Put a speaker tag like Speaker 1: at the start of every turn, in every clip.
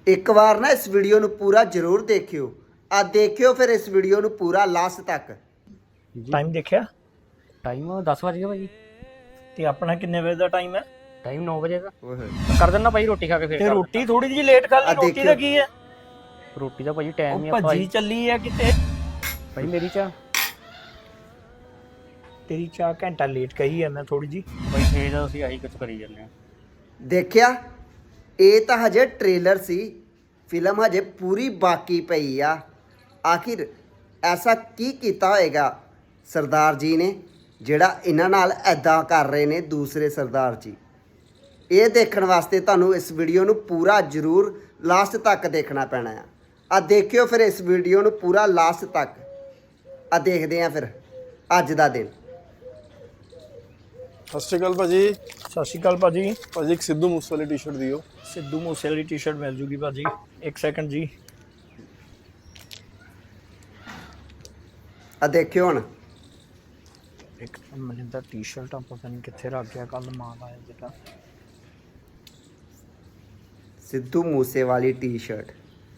Speaker 1: ਇੱਕ ਵਾਰ ਨਾ ਇਸ ਵੀਡੀਓ ਨੂੰ ਪੂਰਾ ਜ਼ਰੂਰ ਦੇਖਿਓ। ਆ ਦੇਖਿਓ ਫਿਰ ਇਸ ਵੀਡੀਓ ਨੂੰ ਪੂਰਾ ਲਾਸਟ ਤੱਕ।
Speaker 2: ਟਾਈਮ ਦੇਖਿਆ?
Speaker 3: ਟਾਈਮ 10 ਵਜ ਗਿਆ ਭਾਜੀ।
Speaker 2: ਤੇ ਆਪਣਾ ਕਿੰਨੇ ਵਜੇ ਦਾ ਟਾਈਮ ਹੈ?
Speaker 3: ਟਾਈਮ 9 ਵਜੇ ਦਾ।
Speaker 1: ਓਏ
Speaker 3: ਕਰ ਦਿੰਦਾ ਭਾਈ ਰੋਟੀ ਖਾ ਕੇ ਫੇਰ
Speaker 2: ਤੇ ਰੋਟੀ ਥੋੜੀ ਜਿਹੀ ਲੇਟ ਖਾ ਲਈ, ਰੋਟੀ ਦਾ ਕੀ ਹੈ?
Speaker 3: ਰੋਟੀ ਦਾ ਭਾਜੀ ਟਾਈਮ ਹੀ
Speaker 2: ਉਹ
Speaker 3: ਆ
Speaker 2: ਭੱਜੀ ਚੱਲੀ ਹੈ ਕਿਤੇ।
Speaker 3: ਭਾਈ ਮੇਰੀ ਚਾਹ
Speaker 2: ਤੇਰੀ ਚਾਹ ਘੰਟਾ ਲੇਟ ਕਹੀ ਹੈ ਮੈਂ ਥੋੜੀ ਜੀ।
Speaker 3: ਭਾਈ ਫੇਰ ਅਸੀਂ ਆਹੀ ਕੁਝ ਕਰੀ ਜਾਂਦੇ ਆ।
Speaker 1: ਦੇਖਿਆ, ਇਹ ਤਾਂ ਹਜੇ ਟ੍ਰੇਲਰ ਸੀ, ਫਿਲਮ ਹਜੇ ਪੂਰੀ ਬਾਕੀ ਪਈ ਆ। ਆਖਿਰ ਐਸਾ ਕੀ ਕੀਤਾ ਹੋਏਗਾ ਸਰਦਾਰ ਜੀ ਨੇ ਜਿਹੜਾ ਇਹਨਾਂ ਨਾਲ ਐਦਾਂ ਕਰ ਰਹੇ ਨੇ ਦੂਸਰੇ ਸਰਦਾਰ ਜੀ। ਇਹ ਦੇਖਣ ਵਾਸਤੇ ਤੁਹਾਨੂੰ ਇਸ ਵੀਡੀਓ ਨੂੰ ਪੂਰਾ ਜ਼ਰੂਰ ਲਾਸਟ ਤੱਕ ਦੇਖਣਾ ਪੈਣਾ ਆ ਦੇਖਿਓ ਫਿਰ ਇਸ ਵੀਡੀਓ ਨੂੰ ਪੂਰਾ ਲਾਸਟ ਤੱਕ। ਦੇਖਦੇ ਆ ਫਿਰ ਅੱਜ ਦਾ ਦਿਨ।
Speaker 4: ਸਤਿ ਸ਼੍ਰੀ ਅਕਾਲ ਭਾਜੀ।
Speaker 2: ਸਤਿ ਸ਼੍ਰੀ ਅਕਾਲ ਭਾਜੀ।
Speaker 4: ਭਾਜੀ ਇੱਕ ਸਿੱਧੂ ਮੂਸੇ ਵਾਲੀ ਟੀ-ਸ਼ਰਟ ਦਿਓ।
Speaker 2: ਸਿੱਧੂ ਮੂਸੇ ਵਾਲੀ ਟੀ-ਸ਼ਰਟ ਮਿਲ ਜੂਗੀ ਭਾਜੀ। ਇੱਕ ਸੈਕਿੰਡ ਜੀ।
Speaker 1: ਦੇਖਿਓ ਹੁਣ।
Speaker 2: ਇੱਕ ਮੈਨੂੰ ਤਾਂ ਟੀ-ਸ਼ਰਟ ਪਤਾ ਨਹੀਂ ਕਿੱਥੇ ਰੱਖ ਗਿਆ, ਕੱਲ ਮਾਲ ਆਇਆ ਜਿਹੜਾ।
Speaker 1: ਸਿੱਧੂ ਮੂਸੇ ਵਾਲੀ ਟੀ-ਸ਼ਰਟ।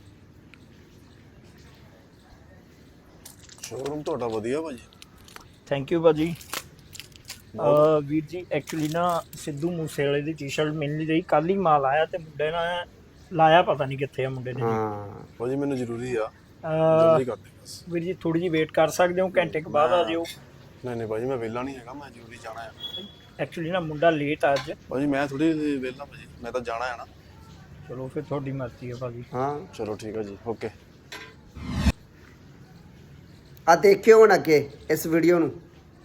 Speaker 4: ਸ਼ੋਰੂਮ ਤੁਹਾਡਾ ਵਧੀਆ ਭਾਜੀ।
Speaker 2: ਥੈਂਕ ਯੂ ਭਾਜੀ। ਵੀਰ ਜੀ ਐਕਚੁਅਲੀ ਨਾ ਸਿੱਧੂ ਮੂਸੇ ਵਾਲੇ ਦੀ ਟੀ-ਸ਼ਰਟ ਮਿਲ ਨਹੀਂ ਰਹੀ, ਕੱਲ ਹੀ ਮਾਲ ਆਇਆ ਤੇ ਮੁੰਡੇ ਨੇ ਲਾਇਆ, ਪਤਾ ਨਹੀਂ ਕਿੱਥੇ ਆ ਮੁੰਡੇ ਨੇ।
Speaker 1: ਹਾਂ
Speaker 4: ਭਾਜੀ ਮੈਨੂੰ ਜ਼ਰੂਰੀ ਆ, ਜਲਦੀ ਕਰ ਦੇ ਬਸ।
Speaker 2: ਵੀਰ ਜੀ ਥੋੜੀ ਜਿਹੀ ਵੇਟ ਕਰ ਸਕਦੇ ਹੋ, ਘੰਟੇ ਕੁ ਬਾਅਦ ਆ ਜਿਓ।
Speaker 4: ਨਹੀਂ ਭਾਜੀ ਮੈਂ ਵਿਹਲਾ ਨਹੀਂ ਹੈਗਾ, ਮੈਂ ਜ਼ਰੂਰੀ ਜਾਣਾ ਆ।
Speaker 2: ਐਕਚੁਅਲੀ ਨਾ ਮੁੰਡਾ ਲੇਟ ਆ ਅੱਜ।
Speaker 4: ਭਾਜੀ ਮੈਂ ਥੋੜੀ ਵਿਹਲਾ ਭਾਜੀ, ਮੈਂ ਤਾਂ ਜਾਣਾ ਆ ਨਾ।
Speaker 2: ਚਲੋ ਫਿਰ ਤੁਹਾਡੀ ਮਰਜ਼ੀ ਹੈ ਭਾਜੀ।
Speaker 1: ਹਾਂ
Speaker 4: ਚਲੋ ਠੀਕ ਆ ਜੀ, ਓਕੇ।
Speaker 1: ਦੇਖਿਓ ਹੁਣ ਅੱਗੇ ਇਸ ਵੀਡੀਓ ਨੂੰ।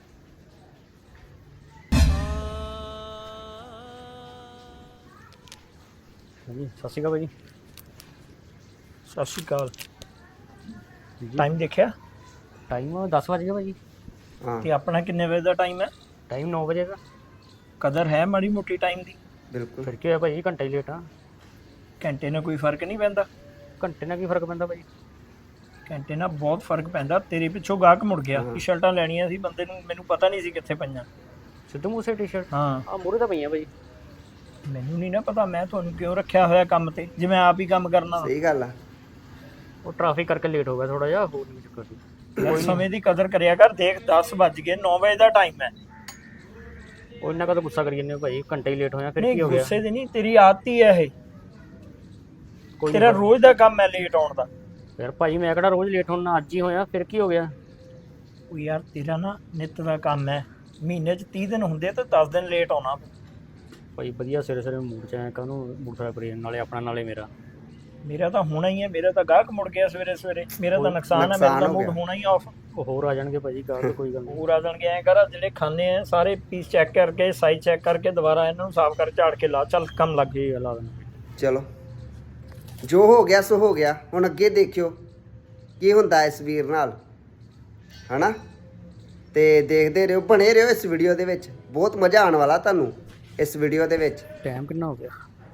Speaker 3: ਹਾਂਜੀ ਸਤਿ ਸ਼੍ਰੀ ਅਕਾਲ ਭਾਜੀ।
Speaker 2: ਸਤਿ ਸ਼੍ਰੀ ਅਕਾਲ। ਟਾਈਮ ਦੇਖਿਆ?
Speaker 3: ਟਾਈਮ 10 ਵਜ ਗਿਆ ਭਾਜੀ।
Speaker 1: ਹਾਂ
Speaker 2: ਤੇ ਆਪਣਾ ਕਿੰਨੇ ਵਜੇ ਦਾ ਟਾਈਮ ਹੈ?
Speaker 3: ਟਾਈਮ 9 ਵਜੇ ਦਾ।
Speaker 2: ਕਦਰ ਹੈ ਮਾੜੀ ਮੋਟੀ ਟਾਈਮ ਦੀ?
Speaker 1: ਬਿਲਕੁਲ।
Speaker 3: ਫਿਰ ਕੀ ਹੋਇਆ ਭਾਜੀ, ਘੰਟਾ ਹੀ ਲੇਟ ਆ।
Speaker 2: ਘੰਟੇ ਨਾਲ ਕੋਈ ਫਰਕ ਨਹੀਂ ਪੈਂਦਾ?
Speaker 3: ਘੰਟੇ ਨਾਲ ਕੀ ਫਰਕ ਪੈਂਦਾ ਭਾਜੀ?
Speaker 2: ਘੰਟੇ ਨਾਲ ਬਹੁਤ ਫਰਕ ਪੈਂਦਾ। ਤੇਰੇ ਪਿੱਛੋਂ ਗਾਹਕ ਮੁੜ ਗਿਆ। ਟੀ-ਸ਼ਰਟਾਂ ਲੈਣੀਆਂ ਸੀ ਬੰਦੇ ਨੂੰ, ਮੈਨੂੰ ਪਤਾ ਨਹੀਂ ਸੀ ਕਿੱਥੇ ਪਈਆਂ।
Speaker 3: ਸਿੱਧੂ ਮੂਸੇ ਟੀ-ਸ਼ਰਟ
Speaker 2: ਹਾਂ
Speaker 3: ਆ ਮੂਹਰੇ ਤਾਂ ਪਈਆਂ ਭਾਜੀ।
Speaker 2: ਮੈਨੂੰ ਨਹੀਂ ਨਾ ਪਤਾ, ਮੈਂ ਤੁਹਾਨੂੰ ਕਿਉਂ ਰੱਖਿਆ ਹੋਇਆ ਕੰਮ ਤੇ, ਜਿਵੇਂ ਆਪ ਹੀ ਕੰਮ ਕਰਨਾ ਵਾ।
Speaker 1: ਸਹੀ ਗੱਲ ਆ।
Speaker 3: ਉਹ ਟ੍ਰੈਫਿਕ ਕਰਕੇ ਲੇਟ ਹੋ ਗਿਆ ਥੋੜਾ ਜਿਹਾ, ਹੋਰ ਨਹੀਂ ਚੱਕਰ ਸੀ।
Speaker 2: ਯਾਰ ਸਮੇਂ ਦੀ ਕਦਰ ਕਰਿਆ ਕਰ। ਦੇਖ 10 ਵੱਜ ਗਏ, 9 ਵਜੇ ਦਾ ਟਾਈਮ ਹੈ।
Speaker 3: ਉਹ ਇੰਨਾ ਕਦੋਂ ਗੁੱਸਾ ਕਰੀ ਜਾਂਦੇ ਹੋ ਭਾਜੀ, ਘੰਟਾ ਹੀ ਲੇਟ ਹੋਇਆ ਫਿਰ
Speaker 2: ਨਹੀਂ
Speaker 3: ਕੀ ਹੋ ਗਿਆ?
Speaker 2: ਗੁੱਸੇ ਦੀ ਨਹੀਂ, ਤੇਰੀ ਆਦਤ ਹੀ ਹੈ ਇਹ।
Speaker 3: ਕੋਈ
Speaker 2: ਤੇਰਾ ਰੋਜ਼ ਦਾ ਕੰਮ ਹੈ ਲੇਟ ਆਉਣ ਦਾ।
Speaker 3: ਯਾਰ ਭਾਜੀ ਮੈਂ ਕਿਹੜਾ ਰੋਜ਼ ਲੇਟ ਹੋਣਾ, ਅੱਜ ਹੀ ਹੋਇਆ, ਫਿਰ ਕੀ ਹੋ ਗਿਆ?
Speaker 2: ਉਹ ਯਾਰ ਤੇਰਾ ਨਾ ਨਿੱਤ ਦਾ ਕੰਮ ਹੈ, ਮਹੀਨੇ 'ਚ 30 ਦਿਨ ਹੁੰਦੇ ਤੇ 10 ਦਿਨ ਲੇਟ ਆਉਣਾ।
Speaker 3: ਭਾਈ ਵਧੀਆ ਸਵੇਰੇ ਸਵੇਰੇ ਮੂਡ ਚ ਆਇਆ, ਕਾਹਨੂੰ ਮੋਟਰਸਾਈਕਲ ਪਰ ਨਾਲੇ ਆਪਣਾ ਨਾਲੇ ਮੇਰਾ।
Speaker 2: ਮੇਰਾ ਤਾਂ ਹੋਣਾ ਹੀ ਹੈ, ਮੇਰਾ ਤਾਂ ਗਾਹਕ ਮੁੜ ਗਿਆ ਸਵੇਰੇ ਸਵੇਰੇ, ਮੇਰਾ ਤਾਂ ਨੁਕਸਾਨ ਹੈ, ਮੇਰਾ ਤਾਂ ਮੂਡ ਹੋਣਾ ਹੀ ਆਫ।
Speaker 3: ਉਹ ਹੋਰ ਆ ਜਾਣਗੇ ਭਾਜੀ, ਗੱਲ ਕੋਈ ਗੱਲ ਨਹੀਂ।
Speaker 2: ਹੋਰ ਆ ਜਾਣਗੇ। ਐਂ ਕਰ, ਜਿਹੜੇ ਖਾਣੇ ਆ ਸਾਰੇ ਪੀਸ ਚੈੱਕ ਕਰਕੇ, ਸਾਈਜ਼ ਚੈੱਕ ਕਰਕੇ, ਦੁਬਾਰਾ ਇਹਨਾਂ ਨੂੰ ਸਾਫ਼ ਕਰ ਝਾੜ ਕੇ ਲਾ। ਚੱਲ ਕੰਮ ਲੱਗ
Speaker 3: ਜੀ ਲਾ ਦੇਣਾ।
Speaker 1: ਚਲੋ ਜੋ ਹੋ ਗਿਆ ਸੋ ਹੋ ਗਿਆ। ਹੁਣ ਅੱਗੇ ਦੇਖਿਓ ਕੀ ਹੁੰਦਾ ਇਸ ਵੀਰ ਨਾਲ, ਹਨਾ। ਤੇ ਦੇਖਦੇ ਰਹੋ, ਬਣੇ ਰਹੋ ਇਸ ਵੀਡੀਓ ਦੇ ਵਿੱਚ। ਬਹੁਤ ਮਜ਼ਾ ਆਉਣ ਵਾਲਾ ਤੁਹਾਨੂੰ ਇਸ ਵੀਡੀਓ ਦੇ ਵਿੱਚ।
Speaker 3: ਟਾਈਮ ਕਿੰਨਾ ਹੋ ਗਿਆ?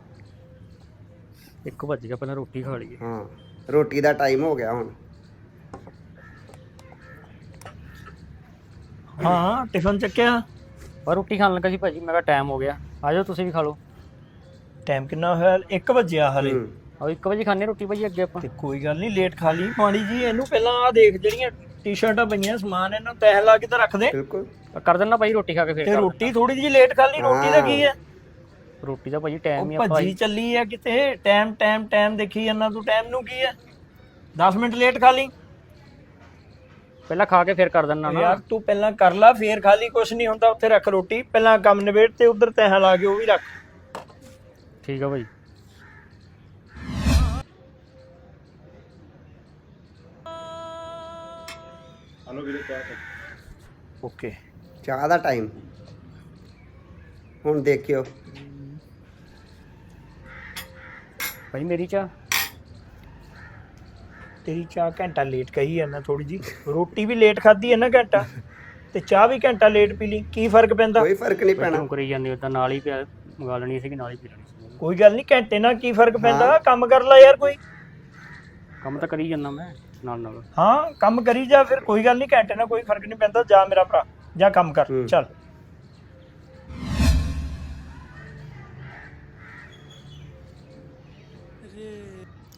Speaker 3: 1 ਵੱਜ ਗਿਆ, ਪਹਿਲਾਂ ਰੋਟੀ ਖਾ ਲਈਏ।
Speaker 1: ਹਾਂ ਰੋਟੀ ਦਾ ਟਾਈਮ ਹੋ ਗਿਆ ਹੁਣ।
Speaker 2: ਹਾਂ ਟਿਫਨ ਚੱਕਿਆ?
Speaker 3: ਪਰ ਰੋਟੀ ਖਾਣ ਲੱਗਾ ਸੀ ਭਾਜੀ, ਮੈਂ ਕਿਹਾ ਟਾਈਮ ਹੋ ਗਿਆ, ਆ ਜਾਓ ਤੁਸੀਂ ਵੀ ਖਾ ਲਓ।
Speaker 2: ਟਾਈਮ ਕਿੰਨਾ ਹੋਇਆ? 1 ਵਜਿਆ ਹਲੇ।
Speaker 3: ਆਹ 1 ਵਜੇ ਖਾਣੇ ਰੋਟੀ ਭਾਜੀ ਅੱਗੇ ਆਪਾਂ।
Speaker 2: ਤੇ ਕੋਈ ਗੱਲ ਨਹੀਂ, ਲੇਟ ਖਾ ਲਈ ਪਾਣੀ ਜੀ। ਇਹਨੂੰ ਪਹਿਲਾਂ ਆ ਦੇਖ, ਜਿਹੜੀਆਂ ਟੀ-ਸ਼ਰਟਾਂ ਪਈਆਂ ਸਮਾਨ, ਇਹਨਾਂ ਨੂੰ ਤਹਿ ਲਾ ਕੇ ਤਾਂ ਰੱਖ ਦੇ।
Speaker 1: ਬਿਲਕੁਲ।
Speaker 3: ਕਰ ਦਿੰਦਾ ਭਾਈ ਰੋਟੀ ਖਾ ਕੇ ਫੇਰ।
Speaker 2: ਤੇ ਰੋਟੀ ਥੋੜੀ ਜਿਹੀ ਲੇਟ ਖਾ ਲਈ, ਰੋਟੀ ਦਾ ਕੀ ਹੈ?
Speaker 3: ਰੋਟੀ ਦਾ ਭਾਜੀ ਟਾਈਮ ਹੀ
Speaker 2: ਉਹ
Speaker 3: ਆਪਾਂ
Speaker 2: ਭੱਜੀ ਚੱਲੀ ਹੈ ਕਿਤੇ। ਟਾਈਮ ਦੇਖੀ ਜਾਂਦਾ ਤੂੰ, ਟਾਈਮ ਨੂੰ ਕੀ ਹੈ? 10 ਮਿੰਟ ਲੇਟ ਖਾ ਲਈ।
Speaker 3: ਪਹਿਲਾਂ ਖਾ ਕੇ ਫੇਰ ਕਰ ਦਿੰਦਾ ਨਾ।
Speaker 2: ਯਾਰ ਤੂੰ ਪਹਿਲਾਂ ਕਰ ਲਾ, ਫੇਰ ਖਾ ਲਈ, ਕੁਛ ਨਹੀਂ ਹੁੰਦਾ। ਉੱਥੇ ਰੱਖ ਰੋਟੀ, ਪਹਿਲਾਂ ਕੰਮ ਨਿਬੇੜ ਤੇ ਉਧਰ ਤਹਿ ਲਾ ਕੇ ਉਹ ਵੀ ਰੱਖ।
Speaker 3: ਠੀਕ ਆ ਭਾਈ।
Speaker 4: ਹਲੋ ਵੀਰੇ ਚਾਹ।
Speaker 2: ਓਕੇ।
Speaker 1: ਚਾਹ ਦਾ ਟਾਈਮ ਹੁਣ ਦੇਖਿਓ।
Speaker 3: ਭਾਈ ਮੇਰੀ ਚਾਹ।
Speaker 2: ਤੇਰੀ ਚਾਹ ਘੰਟਾ ਲੇਟ ਕਹੀ ਹੈ ਮੈਂ ਥੋੜੀ ਜੀ। ਰੋਟੀ ਵੀ ਲੇਟ ਖਾਧੀ ਹੈ ਨਾ ਘੰਟਾ, ਤੇ ਚਾਹ ਵੀ ਘੰਟਾ ਲੇਟ ਪੀ ਲਈ। ਕੀ ਫਰਕ ਪੈਂਦਾ?
Speaker 1: ਕੋਈ ਫਰਕ ਨਹੀਂ ਪੈਣਾ।
Speaker 3: ਕਿਉਂ ਕਰੀ ਜਾਂਦੇ ਹੋ? ਤਾਂ ਨਾਲ ਹੀ ਪਿਆ ਮੰਗਾ ਲੈਣੀ ਸੀ ਕਿ ਨਾਲ ਹੀ ਪੀ ਲੈਣੀ ਸੀ।
Speaker 2: ਕੋਈ ਗੱਲ ਨਹੀਂ, ਘੰਟੇ ਨਾਲ ਕੀ ਫਰਕ ਪੈਂਦਾ? ਕੰਮ ਕਰ ਲੈ ਯਾਰ ਕੋਈ।
Speaker 3: ਕੰਮ ਤਾਂ ਕਰੀ ਜਾਂਦਾ ਮੈਂ ਨਾਲ ਨਾਲ।
Speaker 2: ਹਾਂ ਕੰਮ ਕਰੀ ਜਾ ਫਿਰ, ਕੋਈ ਗੱਲ ਨਹੀਂ, ਘੰਟੇ ਨਾਲ ਕੋਈ ਫਰਕ ਨਹੀਂ ਪੈਂਦਾ। ਜਾ ਮੇਰਾ ਭਰਾ, ਜਾ ਕੰਮ ਕਰ। ਚੱਲ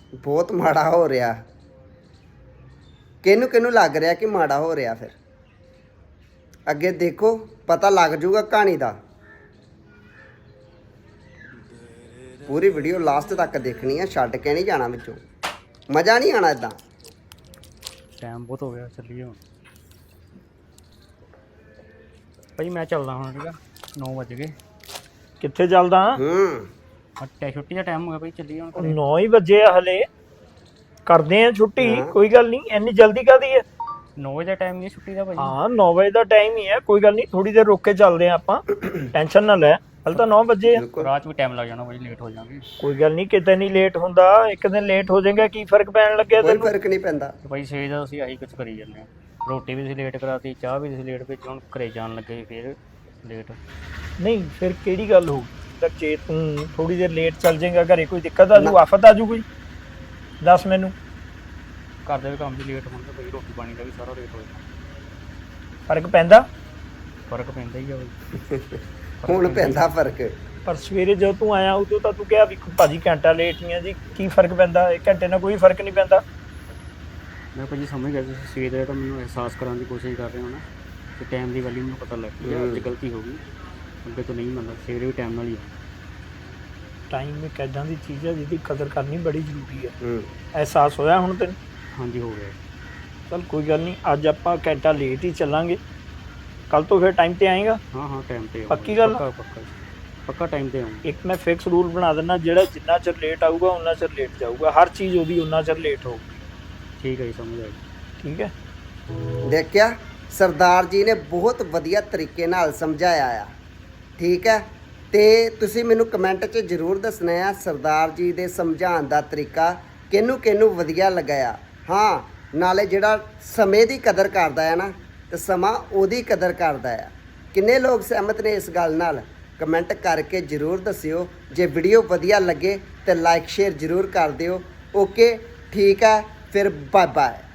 Speaker 1: ਬਹੁਤ ਮਾੜਾ ਹੋ ਰਿਹਾ। ਕਿਹਨੂੰ ਲੱਗ ਰਿਹਾ ਕਿ ਮਾੜਾ ਹੋ ਰਿਹਾ? ਫਿਰ ਅੱਗੇ ਦੇਖੋ, ਪਤਾ ਲੱਗ ਜਾਊਗਾ ਕਹਾਣੀ ਦਾ। ਪੂਰੀ ਵੀਡੀਓ ਲਾਸਟ ਤੱਕ ਦੇਖਣੀ ਆ, ਛੱਡ ਕੇ ਨਹੀਂ ਜਾਣਾ ਵਿੱਚੋਂ, ਮਜ਼ਾ ਨਹੀਂ ਆਣਾ ਇਦਾਂ।
Speaker 3: ਟਾਈਮ ਬਹੁਤ ਹੋ ਗਿਆ, ਚੱਲੀਏ ਹੁਣ ਭਾਈ। ਮੈਂ ਚੱਲਦਾ ਹੁਣ, ਠੀਕ ਆ? 9 ਵਜ ਗਏ।
Speaker 2: ਕਿੱਥੇ ਚੱਲਦਾ?
Speaker 3: ਛੁੱਟੀ ਦਾ ਟਾਈਮ ਹੋ ਗਿਆ ਭਾਈ, ਚੱਲੀਏ ਹੁਣ ਘਰੇ।
Speaker 2: 9 ਹੀ ਵਜੇ ਆ ਹਲੇ, ਕਰਦੇ ਆ ਛੁੱਟੀ। ਕੋਈ ਗੱਲ ਨਹੀਂ, ਇੰਨੀ ਜਲਦੀ ਕਾਹਦੀ ਹੈ?
Speaker 3: 9 ਵਜੇ ਦਾ ਟਾਈਮ ਨਹੀਂ ਛੁੱਟੀ ਦਾ ਭਾਈ।
Speaker 2: ਹਾਂ 9 ਵਜੇ ਦਾ ਟਾਈਮ ਹੀ ਹੈ, ਕੋਈ ਗੱਲ ਨਹੀਂ, ਥੋੜੀ ਦੇਰ ਰੁਕ ਕੇ ਚੱਲਦੇ ਆ ਆਪਾਂ, ਟੈਨਸ਼ਨ ਨਾ ਲੈ। ਹਲ ਤਾਂ 9 ਵਜੇ ਆ।
Speaker 3: ਰਾਤ ਵੀ ਟਾਈਮ ਲੱਗ ਜਾਣਾ ਭਾਈ, ਲੇਟ ਹੋ ਜਾਵਾਂਗੇ।
Speaker 2: ਕੋਈ ਗੱਲ ਨਹੀਂ, ਕਿਤੇ ਨਹੀਂ ਲੇਟ ਹੁੰਦਾ, ਇੱਕ ਦਿਨ ਲੇਟ ਹੋ ਜਾਏਗਾ, ਕੀ ਫਰਕ ਪੈਣ ਲੱਗਿਆ
Speaker 1: ਕੋਈ
Speaker 2: ਤੈਨੂੰ?
Speaker 1: ਫਰਕ ਨਹੀਂ ਪੈਂਦਾ।
Speaker 3: ਤੇ ਭਾਈ ਸਵੇਰ ਦਾ ਅਸੀਂ ਆਹੀ ਕੁਝ ਕਰੀ ਜਾਂਦੇ ਹਾਂ। ਰੋਟੀ ਵੀ ਅਸੀਂ ਲੇਟ ਕਰਾਤੀ, ਚਾਹ ਵੀ ਅਸੀਂ ਲੇਟ ਭੇਜੀ, ਹੁਣ ਘਰੇ ਜਾਣ ਲੱਗੇ ਫਿਰ ਲੇਟ।
Speaker 2: ਨਹੀਂ ਫਿਰ ਕਿਹੜੀ ਗੱਲ ਹੋ ਗਈ? ਜੇ ਤੂੰ ਥੋੜੀ ਦੇਰ ਲੇਟ ਚੱਲ ਜਾਏਗਾ, ਘਰੇ ਕੋਈ ਦਿੱਕਤ ਆ ਜੂ, ਆਫਤ ਆ ਜੂ ਕੋਈ? ਦੱਸ ਮੈਨੂੰ।
Speaker 3: ਘਰ ਦੇ ਵੀ ਕੰਮ ਵੀ ਲੇਟ ਹੁੰਦਾ ਭਾਈ, ਰੋਟੀ ਪਾਣੀ ਦਾ ਵੀ ਸਾਰਾ ਲੇਟ ਹੋ ਜਾਂਦਾ।
Speaker 2: ਫਰਕ ਪੈਂਦਾ?
Speaker 3: ਫਰਕ ਪੈਂਦਾ ਹੀ ਆ ਭਾਈ।
Speaker 1: ਹੁਣ ਪੈਂਦਾ ਫਰਕ।
Speaker 2: ਪਰ ਸਵੇਰੇ ਜਦੋਂ ਤੂੰ ਆਇਆ ਉਦੋਂ ਤਾਂ ਤੂੰ ਕਿਹਾ ਵੀ ਭਾਜੀ ਘੰਟਾ ਲੇਟ ਨਹੀਂ ਆ ਜੀ, ਕੀ ਫਰਕ ਪੈਂਦਾ? 1 ਘੰਟੇ ਨਾਲ ਕੋਈ ਫਰਕ ਨਹੀਂ ਪੈਂਦਾ।
Speaker 3: ਮੈਂ ਭਾਜੀ ਸਮਝ ਗਿਆ, ਤੁਸੀਂ ਸਵੇਰ ਦਾ ਤਾਂ ਮੈਨੂੰ ਅਹਿਸਾਸ ਕਰਾਉਣ ਦੀ ਕੋਸ਼ਿਸ਼ ਕਰ ਰਹੇ ਹੋ ਨਾ, ਕਿ ਟਾਈਮ ਦੀ ਵੈਲਿਊ ਮੈਨੂੰ ਪਤਾ ਲੱਗ ਗਈ। ਅੱਜ ਗਲਤੀ ਹੋ ਗਈ, ਅੱਗੇ ਤੋਂ ਨਹੀਂ ਮੰਨਦਾ। ਸਵੇਰੇ ਵੀ ਟਾਈਮ ਨਾਲ ਹੀ
Speaker 2: ਟਾਈਮ ਇੱਕ ਇੱਦਾਂ ਦੀ ਚੀਜ਼ ਹੈ ਜਿਹਦੀ ਕਦਰ ਕਰਨੀ ਬੜੀ ਜ਼ਰੂਰੀ ਹੈ। ਅਹਿਸਾਸ ਹੋਇਆ ਹੁਣ ਤੈਨੂੰ?
Speaker 3: ਹਾਂਜੀ ਹੋ ਗਿਆ।
Speaker 2: ਚਲ ਕੋਈ ਗੱਲ ਨਹੀਂ, ਅੱਜ ਆਪਾਂ ਘੰਟਾ ਲੇਟ ਹੀ ਚੱਲਾਂਗੇ, ਕੱਲ ਤੋਂ ਫਿਰ ਟਾਈਮ ਤੇ ਆਏਗਾ।
Speaker 3: ਹਾਂ ਟਾਈਮ ਤੇ
Speaker 2: ਪੱਕੀ ਗੱਲ?
Speaker 3: ਪੱਕਾ ਟਾਈਮ ਤੇ ਆਉਂਗਾ।
Speaker 2: ਇੱਕ ਮੈਂ ਫਿਕਸ ਰੂਲ ਬਣਾ ਦਿੰਦਾ, ਜਿਹੜਾ ਜਿੰਨਾ ਚਿਰ ਲੇਟ ਆਊਗਾ ਉਨਾ ਚਿਰ ਲੇਟ ਜਾਊਗਾ, ਹਰ ਚੀਜ਼ ਉਹਦੀ ਉਨਾ ਚਿਰ ਲੇਟ ਹੋਊਗੀ।
Speaker 3: ਠੀਕ ਹੈ ਜੀ, ਸਮਝ ਆਈ।
Speaker 2: ਠੀਕ ਹੈ।
Speaker 1: ਦੇਖਿਆ, ਸਰਦਾਰ ਜੀ ਨੇ ਬਹੁਤ ਵਧੀਆ ਤਰੀਕੇ ਨਾਲ ਸਮਝਾਇਆ ਆ। ਠੀਕ ਹੈ, ਤੇ ਤੁਸੀਂ ਮੈਨੂੰ ਕਮੈਂਟ 'ਚ ਜ਼ਰੂਰ ਦੱਸਣਾ ਆ ਸਰਦਾਰ ਜੀ ਦੇ ਸਮਝਾਉਣ ਦਾ ਤਰੀਕਾ ਕਿਹਨੂੰ ਵਧੀਆ ਲੱਗਿਆ। ਹਾਂ, ਨਾਲੇ ਜਿਹੜਾ ਸਮੇਂ ਦੀ ਕਦਰ ਕਰਦਾ ਹੈ ਨਾ, ਤੇ ਸਮਾਂ ਉਹਦੀ ਕਦਰ ਕਰਦਾ ਆ। ਕਿੰਨੇ ਲੋਕ ਸਹਿਮਤ ਨੇ ਇਸ ਗੱਲ ਨਾਲ? ਕਮੈਂਟ ਕਰਕੇ ਜ਼ਰੂਰ ਦੱਸਿਓ। ਜੇ ਵੀਡੀਓ ਵਧੀਆ ਲੱਗੇ ਤੇ ਲਾਈਕ ਸ਼ੇਅਰ ਜ਼ਰੂਰ ਕਰ ਦਿਓ। ਓਕੇ, ਠੀਕ ਹੈ, ਫਿਰ ਬਾਏ ਬਾਏ।